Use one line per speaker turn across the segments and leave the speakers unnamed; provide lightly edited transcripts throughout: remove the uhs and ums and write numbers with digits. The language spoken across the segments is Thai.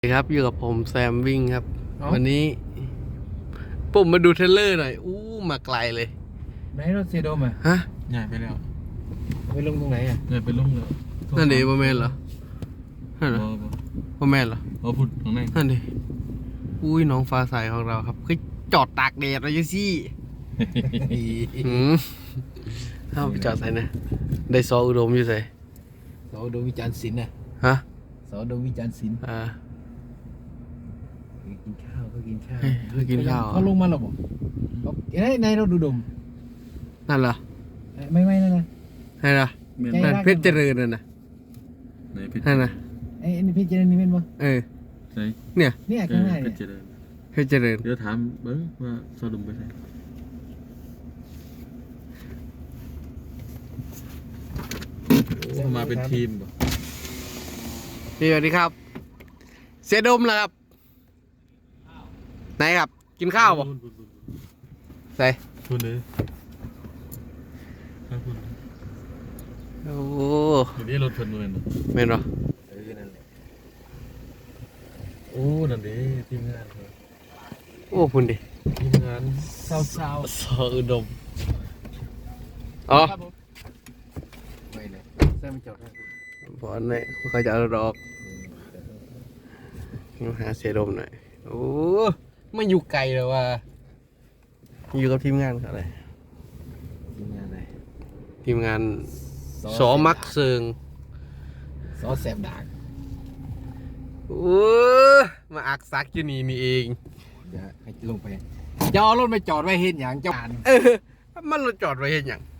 สวัสดีครับอยู่กับผมแซมวิ่งครับวันนี้ผมมาดูเทรลเลอร์หน่อยมาไกลเลย
ไหนรถเซโดมอ่ะ
ฮะ
ใหญ่ไปแล้ว
ไปลงตรงไหนอ่ะ
ใหญ่ไปลงแล้ว
นั่นดิบ่แม่นเหรอนั่นเหรอบ่แม่นเหรอ
พูดตรงไหน
นั่นดิน้องฟ้าใสของเราครับคือจอดตากแดดอะไรยังซี่เอาไปจอดใส่นะได้ซออุดมอยู่ใส่
สอดมวิจารณ์ศิลป์น่ะ
ฮะ
สอดมวิจารณ์ศิลป์กินข้าวก็กินข้าว
กินข้าว
เขาลงมาหรอบอกในเราดูดม
นั่นเหรอ
ไม่นั่นนะ
นั่นเหรอนั่นเพชรเจริญนั่นนะนั่นนะ
ไอ้นี่เพชรเจริญนี่เป็นปะ
เนี่ย
ข้างหน้าเนี่ย
เพชรเจริญ
เดี๋ยวถามเบิ้งว่าโซดมไปไหนมาเป็นทีมป่ะ
สวัสดีครับเสียดมแล้วครับไหนครับกินข้าวป่ะใส่
คุณเลย
โอ้
เดี๋ยวนี้รถเพิ่นเลยนะ
เมนเหรอ
นั่นแหละโอ้นั่นดิทีมงาน
คุณดิ
ทีมงาน
สาว
ซออุดมอ๋อ
ไม่เลยแซมจอด
บอลเนี่ยเขาจะเอาดอกมาหาเสียดมหน่อยไม่อยู่ไกลเลยว่ะอยู่กับทีมงานอะไร
ทีมงานอะไร
ทีมงานสอมักเซิง
สอแสบดาก
มาอักซักอยู่นี่เอง
เดี๋ยวให้ลงไปจะเอารถไปจอดไว้เห็นอย่างเจ้า
มันรถจอดไว้เห็นอย่าง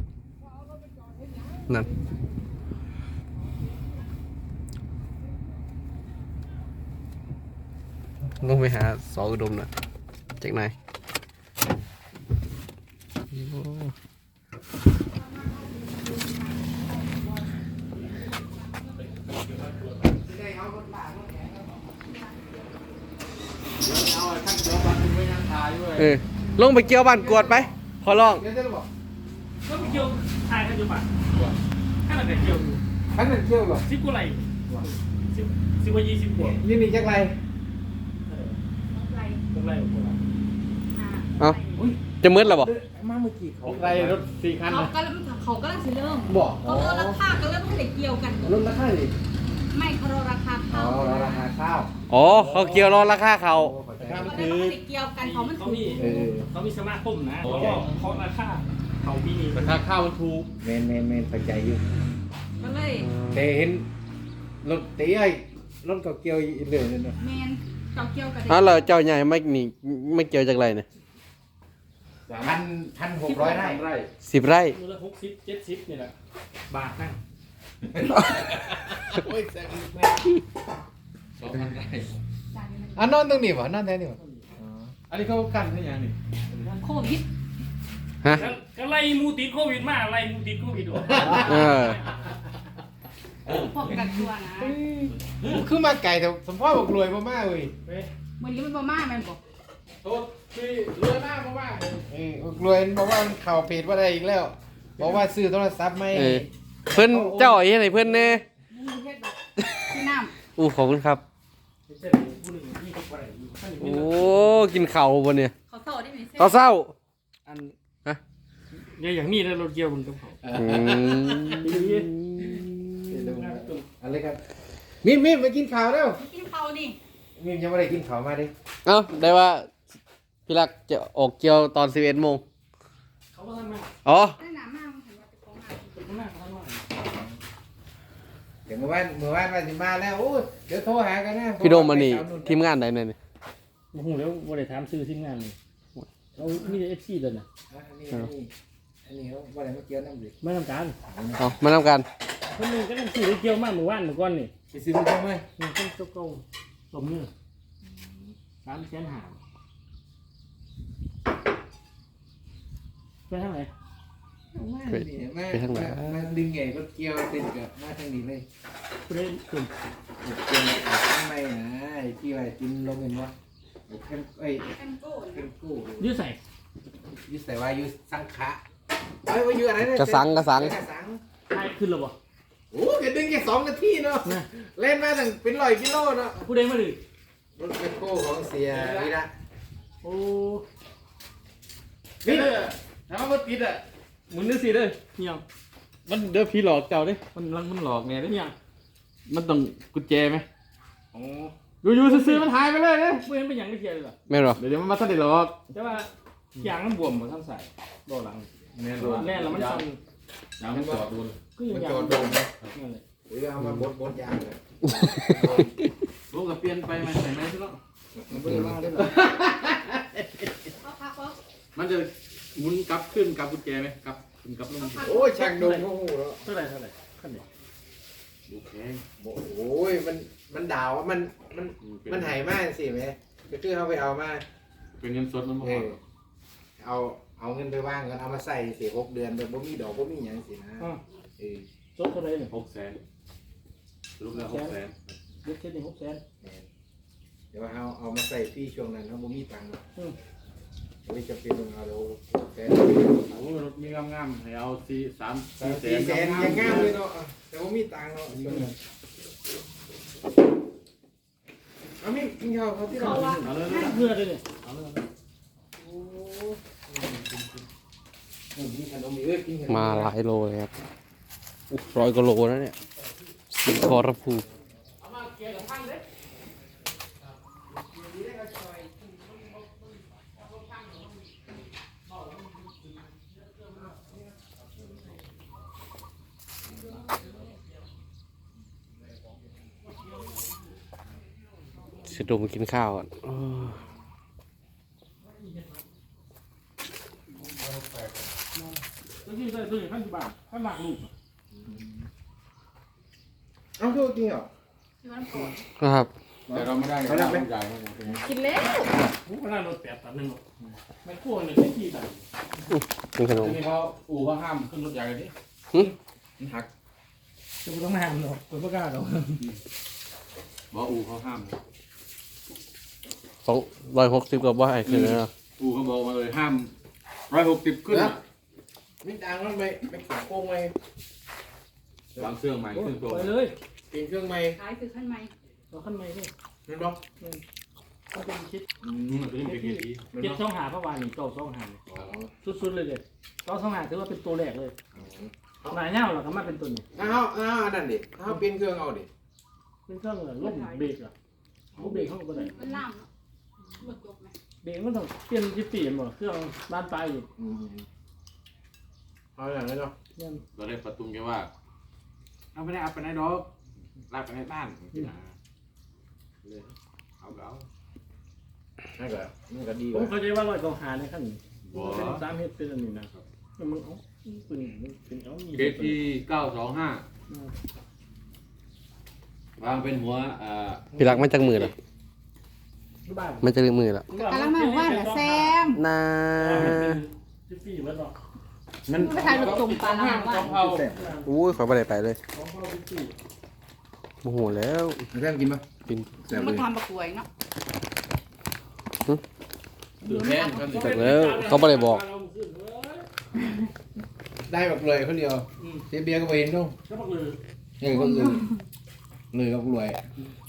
นั่นลงไปหาสออุดมหน่อยจากไหนลงไปเกี่ยวบ้านกวดไปขอร้อง
ก็ไปเกี่ยวทายกันอยู่ป่ะข้างหลังเกี่ยว
ขันหนึ่งเที่ยวหรอ
10 กว่าไหล10 กว่า 20 กว่า
นี่จักไร
เอาจะมืดหรอบ่
มาเมื่อกี้เขา
ไรรถ4 คัน
เขาก็เริ่ม
บอก
เขาลดราคาก็เริ่มให้เกี่ยวกัน
ลดราคาดิ
ไม่เขาลดราคาข้าว
ราคาข้าว
เขาเกี่ยวรอราคาเขา
เขาไม่ได้เกี่ยวกันมัน
เขามีสมาคมนะเขาราคาเขาปีนี้
ราคาข้าวมันถูก
เมนปัจจัยอยู่
ก็เลย
แต่เห็นรถตีไอ้รถเกี่ยวอีกเลยเนาะ
เมนเกี่ยวกัน
เราเจ้าใหญ่ไม่เกี่ยวจากไรเนี่ย
1,600 ไร่
10 ไร่
มูลค่า60 70นี่แหละบาทนั่ง
โอ้ยแซงแม่2,000 ไร่นอนตรงนี้วะนอนแถวนี้วะ
อันนี้เขากันให้ยังนี่
โควิด
ฮะ
ก็ไล่มูติดโควิดมาไล่มูติดโควิดออก
พวกกักตัวนะ
คือมาไก่แต่สมพ่อบอกรวยมากเลย
วันนี้มันบ่มาแม่นบอก
โทษคือรวยมากมากรวยบอกว่ามันเข่าเพจว่าได้อีกแล้วบอกว่าซื้อโทรศัพท์ไม่
เพื่อนเจ้าไอ้ไหนเพื่อนเน่
พี่น้
ำขอบคุณครับกินเข่าบนเนี่ย
เขาเศร้าได้ไหม
เขาเศร้า
อันเนี่ยอย่างนี้แล้วรถเกี่ยวบนกับเขา
อะไรครับมิมมากินข้าวแล้ว
กินข้าวนี่
มิมยังไม่ได้กินข้าวมาดิ
ได้ว่าพี่รักจะออกเกี่ยวตอน11 โมง
เขาก็ทำมา
ได้หนามากเห็นว่าจะของหา
เดี๋ยวเมื่อวานมาสิมาแล้วเดี๋ยวโทรหากันนะ
พี่โดมมันนี่ทีมงานไหนเนี่ย
โอ้โหแล้วบริษัทซื้อทีมงานเลยเรามีแต่ FC เลยนะ
อันนี้เขาบริษัทมาเกี่ยวน้ำดิ
ไม่ทำการ
มาทำการ
คนนึงก็ต้องซื้อเกี่ยวมากเมื่อก่อนนี่
ไปซื้อมาเกี่ยวไหม
มันต้องโตสมเนื้อ300,000หาไปทางไหน
ไปทางไหนมาดึงใหญ่รถเกี่ยวติดกับมาทางนี้เลย
เล่นกลุ่ม
เกี่ยวข้างในนะที่ว่ากินลงเงินวะเค็มโก้
ยืดใส่
ว่ายืดสังขะว่ายืดอะไรเนี่ย
กระสัง
ใช่ขึ้นหรือเปล่า
โอ้แกดึงแค่2 นาทีเนาะเล่นมาตั้งเป็น100 กิโลเนาะ
ผู้ใดมาดิ
รถแมคโครของเสียวีระ
โอ้
นี่ถ้ามันติดอ่ะ
มึงนึกสิเด้อ
เนี่ยง
มันเด้อพี่หลอกเจ้าเด้มันหลอกแน่เด้
เนี่ยง
มันต้องกุญแจไหม
โอ้
อยู่ๆซื้อๆมันหายไปเลยเด้
ผู้เห็นเป็นอย่างที่เทียนเลยเหรอ
แม่นหรอ
เดี๋ยวมันมาทันได้หลอก
แต่ว่าอย่างมันบวมเหมือนท่านใส่โดนหลัง
แน่น
แน่นแล้วมันสั่น
ยางมันจอดดู
ก็ยัง
มัน
ยา
จ
ง
อดโดน
นั่นเลย
หรือเอามาบดยางเลย
ลูกกับเปลี่ยนไปไหมใส่ไหมใช่ไหม
มันไม่ได้มาได้หรอ
เอาพักเอา
มันจะหมุนกลับขึ้นกลับกุญแจไหมกลับขึ้นกลับลง
โอ้ยช่างดงโอ้โหแล้ว
เท่าไหร่ขั้นไหน
ดูแข็ง
โอ้ยมันด่าว่ามันหายมากสิแม่ก็คือเอาไปเอามา
เป็นเงินสดมันบ่
เออเอาเงินไปว่างกันเอามาใส่สิ6 เดือนแบบบ่มีดอกบ่มีหยังสินะเออ
จบเท่าไหร่เนี่ย
600,000รูปแล้ว600,000
เด็กเช็ดนี่600,000
เดี๋ยวเอามาใส่พี่ช่วงนั้นเขาบ่มีตังค์
อืม
โอ้ยจะเป็นเอาแล้วแต่
โอ้รถมีงามๆให้เอา4 3
4 แสนยังงามเลยเนาะแต่บ่มีตังค์เนาะช่วงนั้นเอามีกินข้าวเขาที่เรา
เอาเลย
เพื่อเลยเนี่ย
โอ้กินขนมเอ้ยกินขนม
มาหลายโลเลยครับ100 กว่าโลนะเนี่ยสิงคอระพู เสียดมกินข้าวอ่ะ
แล้วที่ใส่ตัวอย่างขั้นกี่บาทขั้นหมากลูก
เอาโทษจริงเหรอ
ที่มันปวด
นะครับ
แต่เราไม่ได้เขารับใหญ่
กินแล้ว
ผมก็ได้รถ8 ตันนึงไม่กลัวเลยที่ตัน
กินขนม
ทีนี้เขาอู่เขาห้ามขึ้นรถใหญ่เลยดิ
หึ
มันหัก
จะไม่ต้องมาห้ามหรอกคนไม่กล้าหรอก
บอกอู่เขาห้าม
260 กับว่าไอ้คือนะ
อู่เขาบอกมาเลยห้าม160ขึ้น
มีตังค์แล้วไม่ขาโกงไหม
วางเครื่องใหม่เครื่องตัว
ไปเลย
เปลี่ยนเครื่องใหม่
ขายคือขั้นใหม่
เราขั้นไม่นี่
เห็นบ่
เขาเป็นคิด
มันจะเป็นเกียร์ที
เจ็ดช่องหาพระวานนี่เก้าช่องหาสุดๆเลยเลยเก้าช่องหาถือว่าเป็นตัวแรกเลยหนาเน่าหรอทำไมเป็นตัวนี้
เอาอันนั้นดิเอาเปลี่ยนเครื่องเอาดิ
เป็นเครื่องเหรอล่มเบรกเหรอลูกเบรกเขาก็ได้
มันล่ามเนาะหมดจบไหม
เบรกมันต้องเปลี่ยนที่ปีนบ่เครื่องบ้านปลายอยู่
เอาอย่างนี้เนาะ
เนี่ย
เราได้ประตูแกว่าเอาไปไหนเอาไปไหนดอกลากไปในบ้านที่ไหนเลยเอา
นั่นก็มันก็ดี
ผม
ว่ะ
เข้าใจว่าร้อยเก้าหาในขั้นนี้เป็นสามเฮ็ดเป็นอันนี้นะมันเอาเป็นเอามี
เกที925วางเป็นหัว
พี่รักไม่จังมือหรอ
บ้าน
ไม่จังมือหรอก
กำลังมาบอกว่าแหละแซม
นา
ที่ปีมันหรอก
มัน
ไปถ่ายรูปจุ่มปลาแล้วว่า
เอา
อุ้ยขอไปไหนไปเลย
ของพ่อที่ปี
โมโหแล้ว
แซมกินปะ
กิน
แซมเล
มาย ทำประกวยเนาะ
ดื่มแห้งกัน
จากแล้วเขาไม่ได้บอก
ได้แบบเลยคนเดียวเสียเบียร์ก็ไปเห็นด้วย
ก็บอกเลย
เออคนอื่นเลยกับรวย
เ